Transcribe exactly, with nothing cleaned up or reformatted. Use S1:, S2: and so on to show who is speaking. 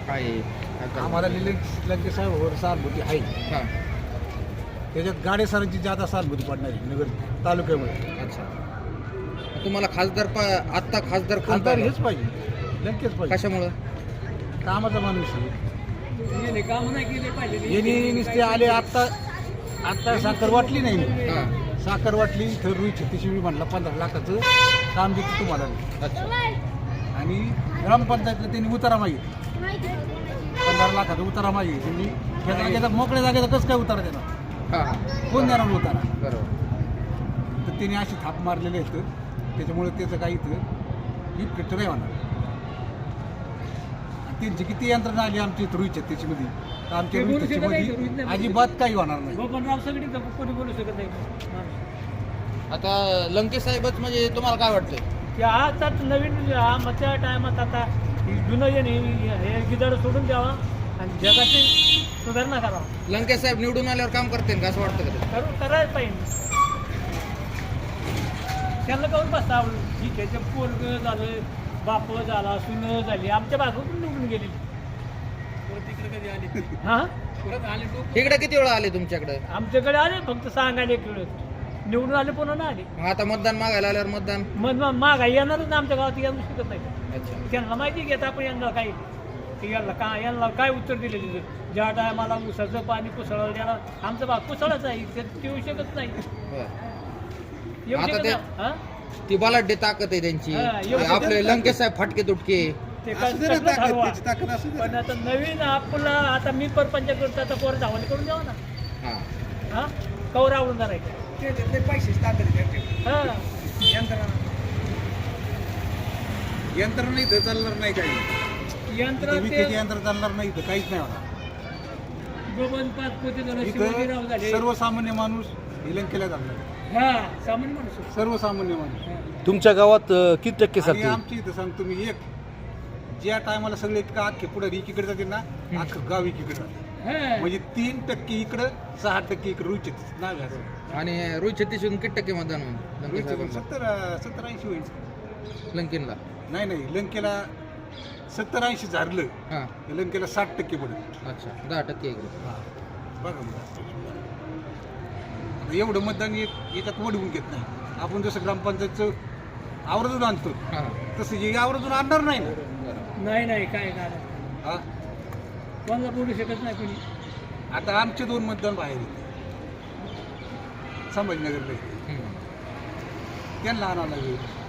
S1: काय आहे? काय करणार?
S2: आम्हाला निलंगे लंके साहेबांवर सहानुभूती आहे.
S1: हां
S2: त्याच्यात गाडेसरांची जादा सहानुभूती पडणार आहे नगर तालुक्यामध्ये.
S1: अच्छा. तुम्हाला खासदार पा आत्ता खासदार कोण
S2: खासदार
S1: पाहिजे?
S2: हेच पाहिजे, लंकेच पाहिजे.
S1: कशामुळं?
S2: कामाचा माणूस आहे.
S3: काम नाही केले पाहिजे.
S2: यांनी नुसते आले आत्ता आत्ता साखर वाटली नाही.
S1: हां
S2: साखर वाटली तर रुई छत्तीसशे मी म्हणला पंधरा लाखाचं काम देतो तुम्हाला.
S1: अच्छा.
S2: आणि ग्रामपंचायतला त्यांनी उतारा मागितला, पंधरा लाखाचा उतारा मागितला. त्यांनी त्या जागेचा मोकळ्या जागेचा कसं काय उतारा देणार?
S1: हां हां
S2: कोण देणार उतारा?
S1: बरोबर.
S2: तर त्यांनी अशी थाप मारलेले आहेत, त्याच्यामुळे त्याचं काही इथं इफेक्ट नाही होणार. आणि त्यांची किती यंत्रणा आली आमची रुई छत्तीसमध्ये, तर आमच्या रुई छत्तीसमध्ये अजिबात काही होणार नाही.
S3: गोपनराव सगळी कोणी बोलू शकत नाही.
S1: आता लंके साहेबच म्हणजे तुम्हाला काय वाटतंय?
S3: की आता नवीन हा मधल्या टायमात आता जुनं जे नाही हे गिदाड सोडून द्यावा आणि जगाची सुधारणा करावा.
S1: लंके साहेब निवडून आल्यावर काम करतील का असं वाटतं का?
S3: करू करायला पाहिजे. त्यांना काऊन बसता ठीक आहे, ते पोरग झालं, बाप झाला, सुन झाली, आमच्या बाजून निवडून गेली. तिकडे कधी आली? हां परत आले तो
S1: इकडे किती वेळा आले तुमच्याकडे?
S3: आमच्याकडे आले फक्त सांगायला एक वेळ निवडून आले, पुन्हा ना आले.
S1: मग आता मतदान मागायला आल्यावर मतदान
S3: मग मागा येणारच ना आमच्या गावात, येऊ शकत नाही.
S1: अच्छा.
S3: त्यांना माहिती घेत आपण यांना काय की यांना का यांना काय उत्तर दिले तिथं ज्या टायमाला उसाचं पाणी कुसळलं द्यायला आमचा भाग कुसळाच आहे, ते येऊ शकत नाही.
S1: बरं.
S3: येऊ
S1: आता
S3: शकत
S1: ते-
S3: नाही. हां?
S1: ती बलाढ्य ताकद आहे त्यांची.
S3: हा, एवढं
S1: आपले लंके साहेब फटके तुटके.
S3: ते
S2: असू दे रे,
S3: कसलं
S2: ताकद,
S3: ठरवा.
S2: त्याची ताकद असू दे.
S3: पण आता नवीन आपला आता मी परपंच करतो, आता पोर धावणे करून द्यावा ना.
S1: हां
S3: हां कवर आवडून धरायचं.
S2: पैसे
S3: हां
S2: यंत्र नाही तर चालणार नाही काही.
S3: यंत्र
S2: इथं
S3: ते
S2: विकेचे यंत्र चालणार नाही तर काहीच नाही होणार.
S3: गोबन पाच पोते झालं, शिवाजीराव
S2: इथं
S3: झाले.
S2: सर्वसामान्य माणूस लंकेला जाणार,
S3: हा सामान्य माणूस आहे.
S2: सर्वसामान्य माणूस.
S4: तुमच्या गावात अ, किती टक्के
S2: आणि
S4: सरते?
S2: आमची इथं सांगतो मी, एक ज्या टायमाला सगळे इतकं अख्खे पुढे एकीकडे जाते ना, अख्खं गाव एकीकडे जाते.
S3: हां.
S2: म्हणजे तीन टक्के इकडं, सहा टक्के इकडे रुचित नाव आहे असं.
S1: आणि रोहित छत्तीसहून किती टक्के मतदान होईल लंके
S2: रुचित
S1: साहेबांना?
S2: सत्तर सत्तर ऐंशी होईल.
S1: लंकेनला?
S2: नाही नाही, लंकेला सत्तर ऐंशी झालं,
S1: हां
S2: लंकेला साठ टक्के पडेल.
S1: अच्छा. दहा टक्के इकडे.
S2: बघा मग, आता एवढं मतदान एक याच्यात वडवून घेत नाही आपण. जसं ग्रामपंचायतचं आवर्जून आणतो
S1: हां
S2: तसं हे आवर्जून आणणार नाही ना.
S1: बरं.
S3: नाही नाही काय काय
S2: हा,
S3: कोणाला बोलू शकत नाही कोणी.
S2: आता आमचे दोन मतदान बाहेर आहेत संभाजीनगरला,
S1: हम्म.
S2: त्यांना आणावं लागेल.